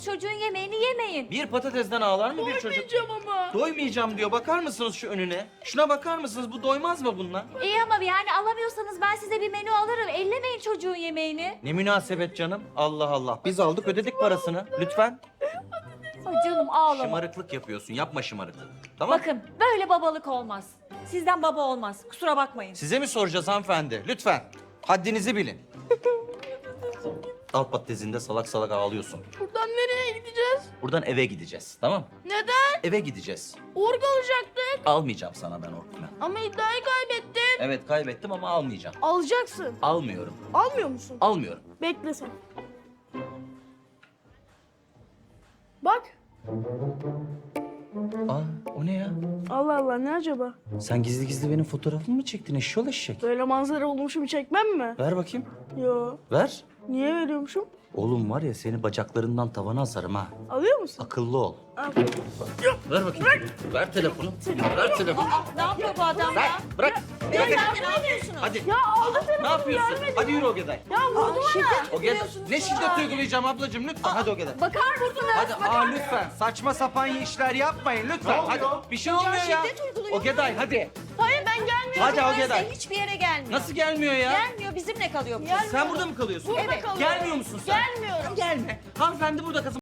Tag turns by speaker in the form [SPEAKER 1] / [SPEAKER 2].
[SPEAKER 1] Çocuğun yemeğini yemeyin.
[SPEAKER 2] Bir patatesden ağlar mı bir çocuk?
[SPEAKER 3] Doymayacağım ama.
[SPEAKER 2] Doymayacağım diyor. Bakar mısınız şu önüne? Şuna bakar mısınız? Bu doymaz mı bununla?
[SPEAKER 1] İyi ama yani alamıyorsanız ben size bir menü alırım. Ellemeyin çocuğun yemeğini.
[SPEAKER 2] Ne münasebet canım. Allah Allah. Biz aldık ödedik parasını. Lütfen.
[SPEAKER 1] Ay canım ağlama.
[SPEAKER 2] Şımarıklık yapıyorsun. Yapma şımarıklık. Tamam.
[SPEAKER 1] Bakın böyle babalık olmaz. Sizden baba olmaz. Kusura bakmayın.
[SPEAKER 2] Size mi soracağız hanımefendi? Lütfen. Haddinizi bilin. Al patatesinde salak salak ağlıyorsun.
[SPEAKER 3] Buradan nereye gideceğiz?
[SPEAKER 2] Buradan eve gideceğiz. Tamam?
[SPEAKER 3] Neden?
[SPEAKER 2] Eve gideceğiz.
[SPEAKER 3] Org alacaktık.
[SPEAKER 2] Almayacağım sana ben orkunu.
[SPEAKER 3] Ama iddiayı kaybettin.
[SPEAKER 2] Evet kaybettim ama almayacağım.
[SPEAKER 3] Alacaksın.
[SPEAKER 2] Almıyorum.
[SPEAKER 3] Almıyor musun?
[SPEAKER 2] Almıyorum.
[SPEAKER 3] Bekle sen. Bak.
[SPEAKER 2] Aa o ne ya?
[SPEAKER 3] Allah Allah ne acaba?
[SPEAKER 2] Sen gizli gizli benim fotoğrafımı mı çektin eşşoğlu eşek?
[SPEAKER 3] Böyle manzara olmuşum çekmem mi?
[SPEAKER 2] Ver bakayım.
[SPEAKER 3] Yo.
[SPEAKER 2] Ver.
[SPEAKER 3] Niye veriyormuşum?
[SPEAKER 2] Oğlum var ya seni bacaklarından tavana asarım ha.
[SPEAKER 3] Alıyor musun?
[SPEAKER 2] Akıllı ol.
[SPEAKER 3] Al.
[SPEAKER 2] Ver bakayım. Ver telefonu. Ver telefonu.
[SPEAKER 1] Ne yapıyor bu adam
[SPEAKER 2] Ver.
[SPEAKER 1] ya?
[SPEAKER 2] Bırak.
[SPEAKER 1] Ya
[SPEAKER 2] Bırak.
[SPEAKER 1] ne yapıyorsunuz?
[SPEAKER 2] Hadi.
[SPEAKER 3] Ya aldı
[SPEAKER 2] Ne
[SPEAKER 3] telefonu
[SPEAKER 2] yapıyorsun?
[SPEAKER 3] vermedi.
[SPEAKER 2] Hadi yürü Ogeday.
[SPEAKER 3] Ya vurdu bana.
[SPEAKER 2] Ogeday. Ne şiddet uygulayacağım ablacığım lütfen. Hadi Ogeday.
[SPEAKER 1] Bakar mısınız?
[SPEAKER 2] Hadi lütfen saçma sapan işler yapmayın lütfen. Hadi bir şey olmuyor ya.
[SPEAKER 1] şiddet uyguluyor.
[SPEAKER 2] Ogeday hadi.
[SPEAKER 3] Hayır ben gelmiyorum.
[SPEAKER 2] Hadi
[SPEAKER 1] Çocuklar
[SPEAKER 2] Ogeday.
[SPEAKER 1] size hiçbir yere gelmiyor.
[SPEAKER 2] Nasıl gelmiyor ya?
[SPEAKER 1] Gelmiyor, bizimle kalıyor bu.
[SPEAKER 2] Sen burada mı kalıyorsun?
[SPEAKER 3] Burada
[SPEAKER 1] Evet.
[SPEAKER 3] kalıyorum.
[SPEAKER 2] Gelmiyor musun sen?
[SPEAKER 3] Gelmiyorum.
[SPEAKER 2] Gelme. Hanımefendi burada kızım.